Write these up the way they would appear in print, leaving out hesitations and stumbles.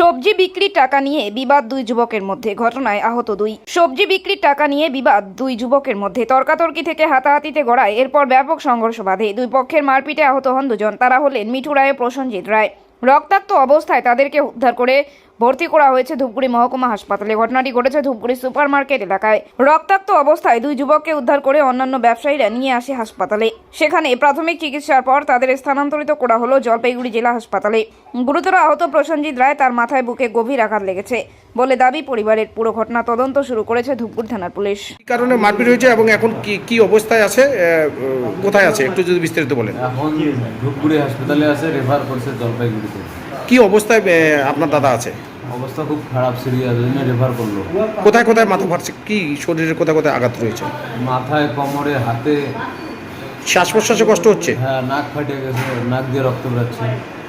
সবজি বিক্রির টাকা নিয়ে বিবাদ দুই যুবকের মধ্যে, ঘটনায় আহত দুই। সবজি বিক্রির টাকা নিয়ে বিবাদ দুই যুবকের মধ্যে, তর্কাতর্কি থেকে হাতাহাতিতে গড়ায়, এরপর ব্যাপক সংঘর্ষ বাধে। দুই পক্ষের মারপিটে আহত হন দুজন। তারা হলেন মিঠু রায় ও প্রসেনজিৎ রায়। রক্তাক্ত অবস্থায় তাদেরকে উদ্ধার করে ভর্তি করা হয়েছে ধূপগুড়ি মহকুমা হাসপাতালে। ঘটনাটি ঘটেছে ধূপগুড়ি সুপার মার্কেট এলাকায়। রক্তাক্ত অবস্থায় দুই যুবককে উদ্ধার করে অন্যান্য ব্যবসায়ীরা নিয়ে আসে হাসপাতালে। সেখানে প্রাথমিক চিকিৎসার পর তাদের স্থানান্তরিত করা হলো জলপাইগুড়ি জেলা হাসপাতালে। গুরুতর আহত প্রসেনজিৎ রায়, তার মাথায় বুকে গভীর আঘাত লেগেছে বলে দাবি পরিবারের। পুরো ঘটনা তদন্ত শুরু করেছে ধূপগুড়ি থানার পুলিশ। কি কারণে মারপিট হয়েছে এবং এখন কি অবস্থায় আছে, কোথায় আছে একটু যদি বিস্তারিত বলেন। এখন ধূপগুড়ি হাসপাতালে আছে, রেফার করছে জলপাইগুড়িতে। কি অবস্থায় আপনার দাদা আছে? অবস্থা খুব খারাপ, সিরিয়াস, ওই জন্য রেফার করলো। কোথায় কোথায় মাথা ফাটছে, কি শরীরের কোথায় কোথায় আঘাত রয়েছে? মাথায়, কোমরে, হাতে। শ্বাস প্রশ্বাসে কষ্ট হচ্ছে? হ্যাঁ, নাক ফাটে গেছে, নাক দিয়ে রক্ত বেরোচ্ছে।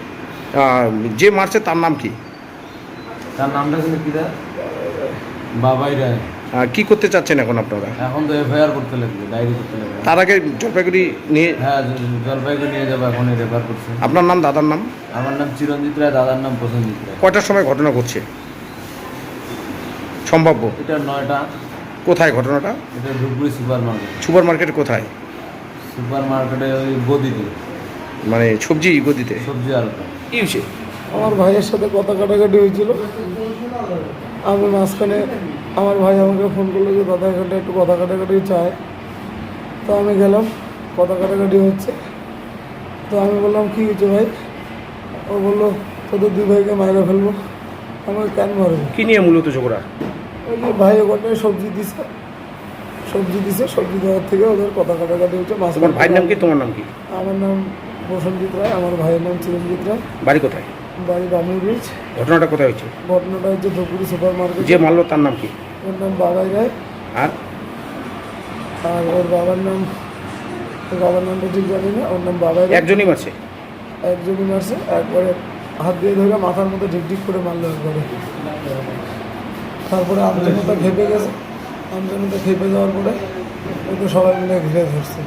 যে মারছে তার নাম কি? তার নামটা কিন্তু কি দেয়? বাবাই রায়। কি করতে চাচ্ছেন এখন আপনারা? এখন তো এফআইআর করতে লাগবে, ডায়েরি করতে লাগবে। তার আগে জলপাইগুড়ি নিয়ে? হ্যাঁ, জলপাইগুড়ি নিয়ে যাবো, এখন রেফার করছে। আপনার নাম, দাদার নাম? আমার নাম চিরঞ্জিত রায়, দাদার নাম প্রসেনজিৎ রায়। কয়টার সময় ঘটনা ঘটছে সম্ভাব্য? এটা 9টা। কোথায় ঘটনাটা? এটা Dhupguri super market. Super market কোথায়? সুপার মার্কেটে ওই গদিতে, মানে সবজি গদিতে? সবজি আলটা। কি হয়েছে? আমার ভাইয়ের সাথে কথা কাটাকাটি হয়েছিল। আমি মাঝখানে, আমার ভাই আমাকে ফোন করলো যে দাদা এখানটা একটু কথা কাটাকাটি চায়। তো আমি গেলাম, কথা কাটাকাটি হচ্ছে। তো আমি বললাম কী হয়েছে ভাই? ও বললো তোদের দুই ভাইকে মাইরে ফেলবো। আমাকে কেন মারবো? কি নিয়ে মূলত ঝগড়া? ওই যে ভাই ওখানটায় সবজি দিছে, সবজি দেওয়ার থেকে ওদের কথা কাটাকাটি হচ্ছে। তোমার ভাইয়ের নাম কি, তোমার নাম কি? আমার নাম প্রসেনজিৎ রায়, আমার ভাইয়ের নাম চিরঞ্জিত রায়। বাড়ি কোথায়? বাড়ি রামুর ব্রিজ। ঘটনাটা কোথায় হয়েছে? ঘটনাটা হচ্ছে ধূপগুড়ি সুপার মার্কেট। যে মারলো তার নাম কি? ওর নাম বাবাই রায়। আর আর ওর বাবার নামটা ঠিক জানি না। ওর নাম বাবাই রায়। একজনই মারছে? একজনই মারছে, একবারে হাত দিয়ে ধরে মাথার মধ্যে ঢিকঢিক করে মারলো একবারে। তারপরে আমজনতা খেপে গেছে। আমজনতা খেপে যাওয়ার পরে ওকে সবাই মিলে ঘিরে ধরছে।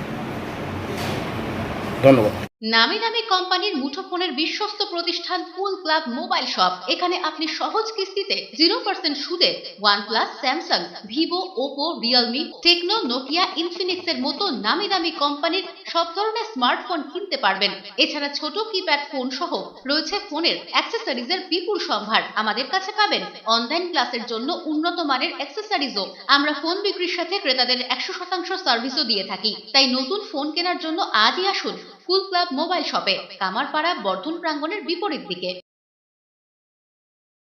ধন্যবাদ। নামি দামি কোম্পানির মুঠোফোনের বিশ্বস্ত প্রতিষ্ঠান কুল ক্লাব মোবাইল শপ। এখানে আপনি সহজ কিস্তিতে 0% সুদে OnePlus, Samsung, Vivo, Oppo, Realme, Tecno, Nokia, Infinix এর মতো নামি দামি কোম্পানির সব ধরনের স্মার্টফোন কিনতে পারবেন। এছাড়া ছোট কিপ্যাড ফোন সহ রয়েছে ফোনের অ্যাক্সেসরিজের বিপুল সম্ভার। আমাদের কাছে পাবেন অনলাইন ক্লাসের জন্য উন্নত মানের অ্যাক্সেসরিজও। আমরা ফোন বিক্রির সাথে ক্রেতাদের 100% সার্ভিসও দিয়ে থাকি। তাই নতুন ফোন কেনার জন্য আজই আসুন কুল ক্লাব মোবাইল শপে, কামারপাড়া বর্ধন প্রাঙ্গণের বিপরীত দিকে।